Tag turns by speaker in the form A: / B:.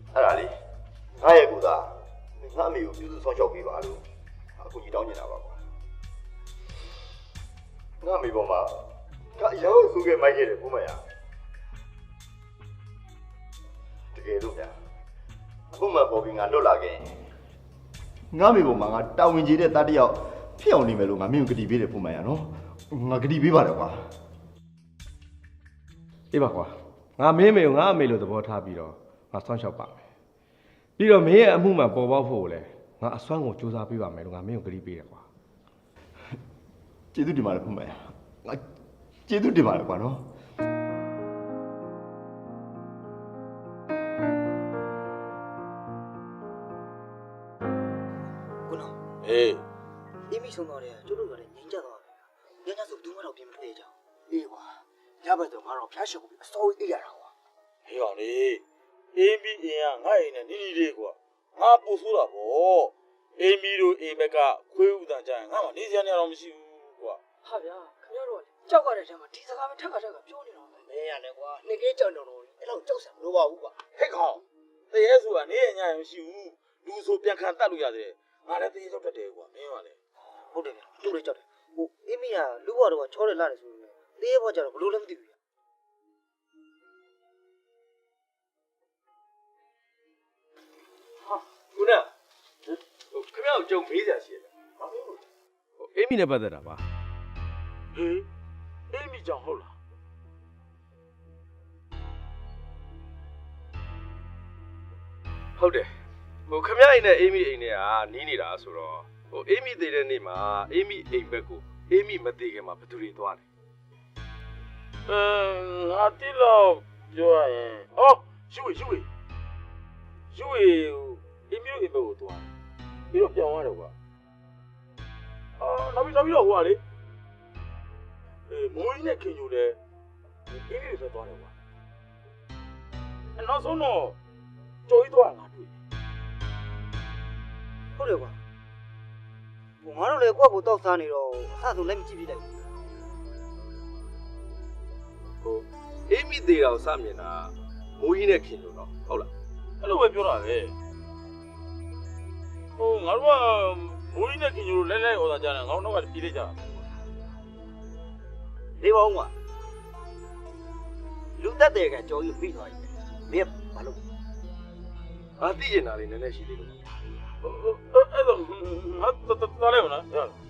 A: အဲ့ဒါလေးငါရဲ့ကူသားငါအမေကိုပြုစုဆောင်ရှောက်ပေးပါလို့အခုကြီးတောင်းနေတာပါကွာငါအမေပေါ်မှာငါရောက်စုခဲ့မိုက်ခဲ့တယ်ကိုမရတကယ်လို့ဗျာအခုမှပေါ်ပြီးငါလွတ်လာခဲ့ငါအမေပေါ်မှာငါတာဝန်ကြီးတဲ့တတယောက်ဖြစ်အောင်နေမယ်လို့ငါမင်းကိုဂတိပေးတယ်ပုံမှန်ရနော်ငါဂတိပေးပါတယ်ကွာ
B: အေးပါကွာငါမင်းမေကိုငါအမေလို့သဘောထားပြီးတော့ငါဆောင်းလျှောက်ပါမယ်ပြီးတော့မင်းရဲ့အမှုမှပေါ်ပေါက်ဖို့လည်းငါအစွမ်းကိုစူးစမ်းပေးပါမယ်လို့ငါမင်းကိုဂတိပေးတယ်ကွာ
A: ကျေးဇူးတင်ပါတယ်ပုံမှန်ရငါကျေးဇူးတင်ပါတယ်ကွာနော်
C: ကိုနော
D: အေး
C: အေးမိဆုံးသွားတယ်ကျတို့ကလည်းငြိမ်းချသွားတယ်ညညဆိုဘူးမှတော့ပြင်မထွက်ရကြအောင်အေးကွာညဘက်တော့ငါတော့ဖျားရှုပ်ပြီးအစိုးအေးရတာကွာ
D: ဟေးကောင်လေးအေးမီအင်းကငါ့အိမ်နဲ့နီးနီးလေးကွာငါပူဆိုးတာဗောအေးမီတို့အိမ်ဘက်ကခွေးဥတန်ကြရင်ငါမှနေစရာနေတော့မရှိဘူးကွာ
C: ဟာဗျာခင်ဗျားတို့ကြောက်ရတဲ့ထဲမှာဒီစကားပဲထက်ကပြောနေတော့မင်းရတယ်ကွာနှစ်ကဲကြောက်တော့အဲ့လောက်ကြောက်စရာမလိုပါဘူးကွာ
D: ဟေးကောင်တရေဆိုတာနေရညရင်မရှိဘူးလူဆိုပြန်ခံတတ်လို့ရတယ်ငါလည်းတရေကြောက်တတ်တယ်ကွာမင်းကလည်း
C: ဟုတ်တယ်ဗျာသူ့လေးကြောက်တယ်ဟိုအေးမီကလူဘွားတော့ချောတယ်လာတယ်ဆိုရင်တေးဘွားကျတော့ဘလို့လည်းမသိဘူးဗျာ
B: ခုနခင်ဗျားကိုကြုံမေးစရာရှိတယ်အေးမီနဲ့ပတ်သက်တာပါ
D: ဟေးအေးမီကြောင့်ဟုတ်လား
B: ဟုတ်တယ်ခင်ဗျားအိမ်နဲ့အေးမီအိမ်နဲ့ကနီးနေတာဆိုတော့အေးမီသေးတဲ့နေ့မှာအေးမီအိမ်ဘက်ကိုအေးမီမသေးခင်မှာဘယ်သူတွေသွားလဲ
D: ငါတိလို့ပြောရရင်အော်ယူအေးမီတို့အိမ်ဘက်ကိုသွားပြီးတော့ပြောင်းသွားတယ်ကွာနောက်ပြီးတော့ဟိုကလေမိုးကြီးနဲ့ခင်ယူတယ်အေးမီတွေသွားတယ်ကွာနောက်ဆုံးတော့ကြော်ကြီးသွားငါတွေ့
C: ဟုတ်တယ်ကွာဟိုငါတို့လည်းကိုယ့်ကိုတောက်စားနေတော့အဆဆုံးလည်းမကြည့်ပြလိုက်
B: ဘူးအေးမီသေးတာကိုစမြင်တာမိုးကြီးနဲ့ခင်ယူတော့ဟုတ်လား
D: အဲ့လိုပဲပြောတာပဲငါတို့ကမိုးကြီးနဲ့ခင်ယူလဲဩဇာကြတယ်ငါတို့ကပြေးလိုက်ကြတာ
C: နေပါဦးကွာလူသက်တဲ့ကကြော်ကြီးပြီးသွားပြီမင်းဘာလို့
B: ငါသိကျင်တာလေးနည်းနည်းရှိသေးလို့
D: အဲ့တော့ငါတော်လိုက်မလား